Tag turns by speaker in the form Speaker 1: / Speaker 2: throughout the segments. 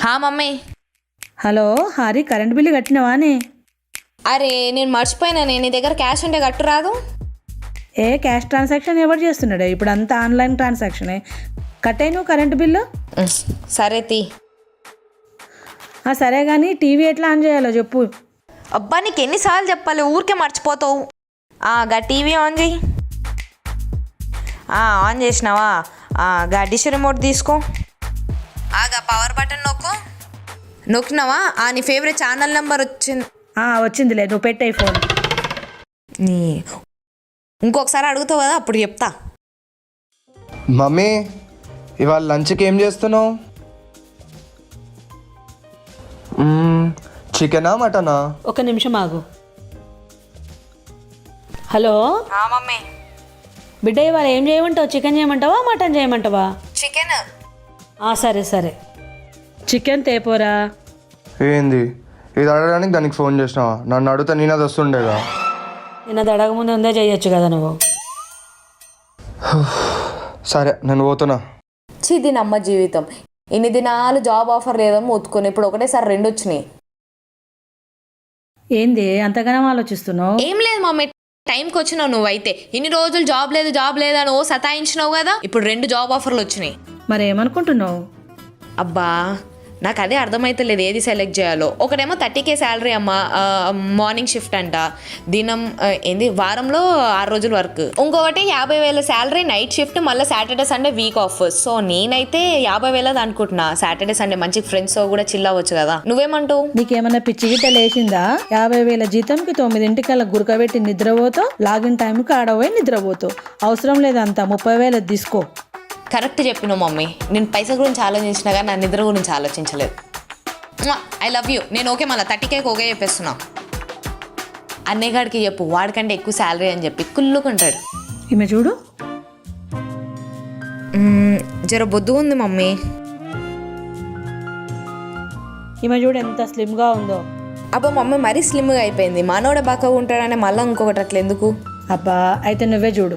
Speaker 1: హా mummy.
Speaker 2: Hello Hari, current bill కట్టినవానే?
Speaker 1: అరే నేను మర్చిపోయినా, నీ దగ్గర క్యాష్ ఉంటే కట్టు రాదు.
Speaker 2: క్యాష్ ట్రాన్సాక్షన్ ఎవరు చేస్తున్నాడే? ఇప్పుడు అంతా ఆన్లైన్ ట్రాన్సాక్షనే. కట్టాయి నువ్వు కరెంటు బిల్లు?
Speaker 1: సరే తీ.
Speaker 2: సరే కానీ టీవీ ఎట్లా ఆన్ చేయాలో చెప్పు.
Speaker 1: అబ్బా నీకు ఎన్నిసార్లు చెప్పాలి, ఊరికే మర్చిపోతావు. గా టీవీ ఆన్ చేయి. ఆన్ చేసినావా? గా డిష్ రిమోట్ తీసుకో. గా పవర్ బటన్ నొక్కినావా? నీ ఫేవరెట్ ఛానల్ నెంబర్ వచ్చింది.
Speaker 2: వచ్చిందిలే, నువ్వు పెట్టాయి ఫోన్.
Speaker 1: నీ ఇంకొకసారి అడుగుతావు కదా, అప్పుడు చెప్తా.
Speaker 3: మమ్మీ, ఇవాళ లంచ్కి ఏం చేస్తున్నావు? చికెనా మటనా?
Speaker 2: ఒక నిమిషం ఆగు. Hello
Speaker 1: mummy.
Speaker 2: బిడ్డ, ఇవాళ ఏం చేయమంటావు? చికెన్ చేయమంటావా మటన్ చేయమంటావా?
Speaker 1: చికెన్.
Speaker 2: సరే సరే, చికెన్ తేపోరా.
Speaker 3: ఏంది ఇది అడగడానికి దానికి ఫోన్ చేసినావా? నన్ను అడిగితే నేను అది వస్తుండేగా.
Speaker 2: నేను అది అడగముందే ఉందే చేయొచ్చు కదా నువ్వు.
Speaker 3: సరే నేను పోతున్నా.
Speaker 1: దీని అమ్మ జీవితం. ఇన్ని దినాలు జాబ్ ఆఫర్ లేదని మొత్తుకొని ఇప్పుడు ఒకటేసారి 2 వచ్చినాయి.
Speaker 2: ఏంది అంతగానం ఆలోచిస్తున్నావు?
Speaker 1: ఏం లేదు మమ్మీ, టైంకి వచ్చినావు నువ్వైతే. ఇన్ని రోజులు జాబ్ లేదు అని సతాయించినావు కదా, ఇప్పుడు 2 జాబ్ ఆఫర్లు వచ్చినాయి.
Speaker 2: మరి ఏమనుకుంటున్నావు?
Speaker 1: అబ్బా నాకు అదే అర్థమైతలేదు ఏది సెలెక్ట్ చేయాలో. ఒకటేమో 30K శాలరీ అమ్మ, మార్నింగ్ షిఫ్ట్ అంట, దినం వారంలో 6 రోజులు వర్క్. ఇంకొకటి 50,000 శాలరీ, నైట్ షిఫ్ట్, మళ్ళీ Saturday Sunday week off. So నేనైతే 50,000 అనుకుంటున్నా. సాటర్డే సండే మంచి ఫ్రెండ్స్ కూడా చిల్ అవ్వచ్చు కదా. నువ్వేమంటావు?
Speaker 2: నీకేమన్నా పిచ్చి గిట్ట లేచిందా? 50,000 జీతంకి 9 గురకబెట్టి నిద్రపోతావు, లాగిన్ టైంకి ఆడపోయి నిద్రపోతావు. అవసరం లేదంతా 30,000 తీసుకో.
Speaker 1: కరెక్ట్ చెప్పినావు మమ్మీ. నేను పైసా గురించి ఆలోచించినా కానీ నా నిద్ర గురించి ఆలోచించలేదు. I love you. నేను ఓకే, మళ్ళీ 30Kకి ఓకే చెప్పేస్తున్నా. అన్నయ్య గారికి చెప్పు, వాడికంటే ఎక్కువ శాలరీ అని చెప్పి కుళ్ళుకుంటాడు.
Speaker 2: ఈమె చూడు,
Speaker 1: జర బొద్దు ఉంది మమ్మీ.
Speaker 2: ఈమె చూడు ఎంత స్లిమ్గా ఉందో.
Speaker 1: అబ్బా మమ్మీ మరీ స్లిమ్గా అయిపోయింది. మనోడే బాగా ఉంటాడనే మళ్ళీ ఇంకొకటి అట్లా ఎందుకు?
Speaker 2: అబ్బా అయితే నువ్వే చూడు.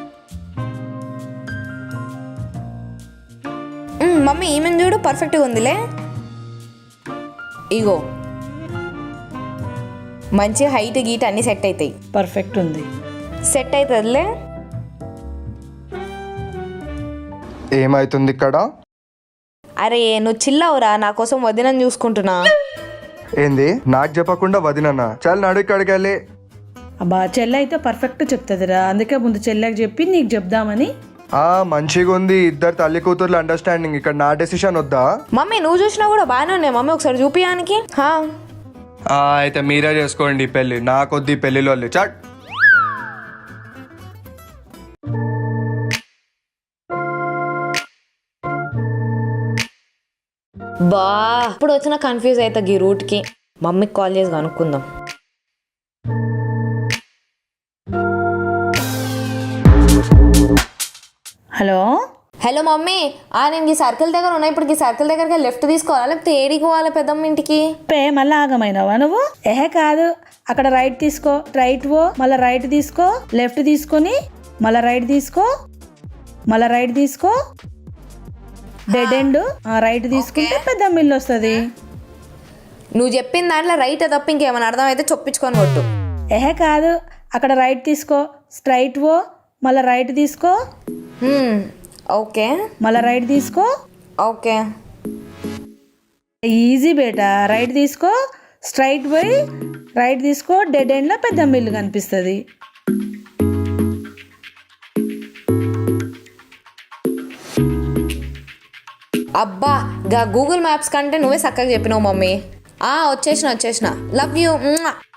Speaker 1: మమ్మీ ఈమెను చూడు, పర్ఫెక్ట్గా ఉందిలే. ఇగో మంచి హైట్ గీట్ అన్నీ సెట్ అవుతాయి.
Speaker 2: పర్ఫెక్ట్ ఉంది,
Speaker 1: సెట్ అవుతుందిలే.
Speaker 3: ఏమైతుంది ఇక్కడ?
Speaker 1: అరే నువ్వు చిల్లవురా, నా కోసం వదినని చూసుకుంటున్నా.
Speaker 3: ఏంది నాకు చెప్పకుండా వదినన్నా? చాలా నడు ఇక్కడికి వెళ్ళి.
Speaker 2: అబ్బా చెల్లె అయితే పర్ఫెక్ట్ చెప్తుందిరా, అందుకే ముందు చెల్లెకి చెప్పి నీకు చెప్దామని.
Speaker 3: మంచిగా ఉంది, ఇద్దరు తల్లి కూతుర్ల అండర్స్టాండింగ్. ఇక్కడ నా డెసిషన్ వద్దా?
Speaker 1: మమ్మీ నువ్వు చూసినా కూడా బాగానే ఉన్నాయి మమ్మీ, ఒకసారి చూపియానికి.
Speaker 3: అయితే మీరే చేసుకోండి పెళ్ళి, నాకొద్ది పెళ్లిలో చట్.
Speaker 1: బా ఇప్పుడు వచ్చిన కన్ఫ్యూజ్ అవుతా ఈ రూట్కి. మమ్మీకి కాల్ చేసి కనుక్కుందాం.
Speaker 2: హలో
Speaker 1: హలో మమ్మీ, నేను ఈ సర్కిల్ దగ్గర ఉన్నా. ఇప్పుడు ఈ సర్కిల్ దగ్గరకి లెఫ్ట్ తీసుకోవాలా లేకపోతే ఏడికి పోవాలి పెద్దమ్మ ఇంటికి?
Speaker 2: మళ్ళీ ఆగమైనావా నువ్వు? కాదు, అక్కడ రైట్ తీసుకో, రైట్ పో, మళ్ళీ రైట్ తీసుకో, లెఫ్ట్ తీసుకొని మళ్ళీ రైట్ తీసుకో, మళ్ళీ రైట్ తీసుకో, డెడ్ ఎండ్. రైట్ తీసుకుంటే పెద్దమ్మ ఇల్లు వస్తుంది.
Speaker 1: నువ్వు చెప్పిన దాంట్లో రైట్ తప్ప ఇంకేమైనా అర్థం అయితే చొప్పించుకొని కొట్టు.
Speaker 2: కాదు, అక్కడ రైట్ తీసుకో, స్ట్రైట్ పో, మళ్ళీ రైట్ తీసుకో,
Speaker 1: ఓకే,
Speaker 2: మళ్ళీ రైట్ తీసుకో.
Speaker 1: ఓకే
Speaker 2: ఈజీ బేటా. రైట్ తీసుకో, స్ట్రైట్ పోయి రైట్ తీసుకో, డెడ్ ఎండ్లో పెద్దమ్మ ఇల్లు కనిపిస్తుంది.
Speaker 1: అబ్బా గూగుల్ మ్యాప్స్ కంటే నువ్వే చక్కగా చెప్పినావు మమ్మీ. వచ్చేసిన లవ్ యూ.